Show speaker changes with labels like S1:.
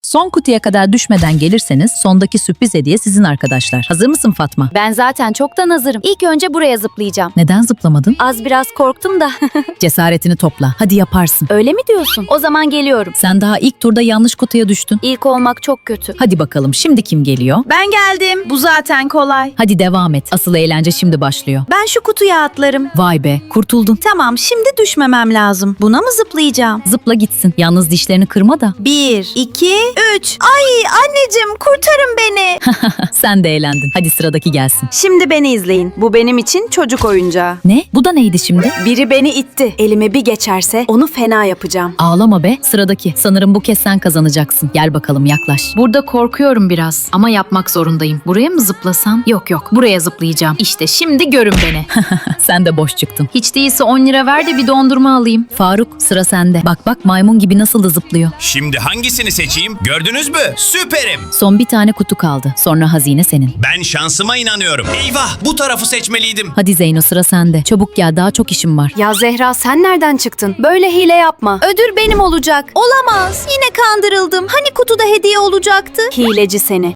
S1: Son kutuya kadar düşmeden gelirseniz sondaki sürpriz hediye sizin arkadaşlar. Hazır mısın Fatma?
S2: Ben zaten çoktan hazırım. İlk önce buraya zıplayacağım.
S1: Neden zıplamadın?
S2: Az biraz korktum da.
S1: Cesaretini topla. Hadi yaparsın.
S2: Öyle mi diyorsun? O zaman geliyorum.
S1: Sen daha ilk turda yanlış kutuya düştün.
S2: İlk olmak çok kötü.
S1: Hadi bakalım şimdi kim geliyor?
S3: Ben geldim. Bu zaten kolay.
S1: Hadi devam et. Asıl eğlence şimdi başlıyor.
S3: Ben şu kutuya atlarım.
S1: Vay be, kurtuldun.
S3: Tamam, şimdi düşmemem lazım. Buna mı zıplayacağım?
S1: Zıpla gitsin. Yalnız dişlerini kırma da.
S3: 1, 2, 3. Ay anneciğim, kurtarın beni.
S1: Sen de eğlendin. Hadi sıradaki gelsin.
S3: Şimdi beni izleyin. Bu benim için çocuk oyuncağı.
S1: Ne? Bu da neydi şimdi?
S3: Biri beni itti. Elime bir geçerse onu fena yapacağım.
S1: Ağlama be. Sıradaki. Sanırım bu kez sen kazanacaksın. Gel bakalım yaklaş.
S4: Burada korkuyorum biraz ama yapmak zorundayım. Buraya mı zıplasam? Yok, buraya zıplayacağım. İşte şimdi görün beni.
S1: Sen de boş çıktın.
S4: Hiç değilse 10 lira ver de bir dondurma alayım.
S1: Faruk, sıra sende. Bak maymun gibi nasıl da zıplıyor.
S5: Şimdi hangisini seçeyim? Gördünüz mü? Süperim.
S1: Son bir tane kutu kaldı. Sonra hazine senin.
S5: Ben şansıma inanıyorum. Eyvah, bu tarafı seçmeliydim.
S1: Hadi Zeyno, sıra sende. Çabuk gel, daha çok işim var.
S2: Ya Zehra, sen nereden çıktın? Böyle hile yapma. Ödül benim olacak.
S3: Olamaz. Yine kandırıldım. Hani kutuda hediye olacaktı?
S2: Hileci seni.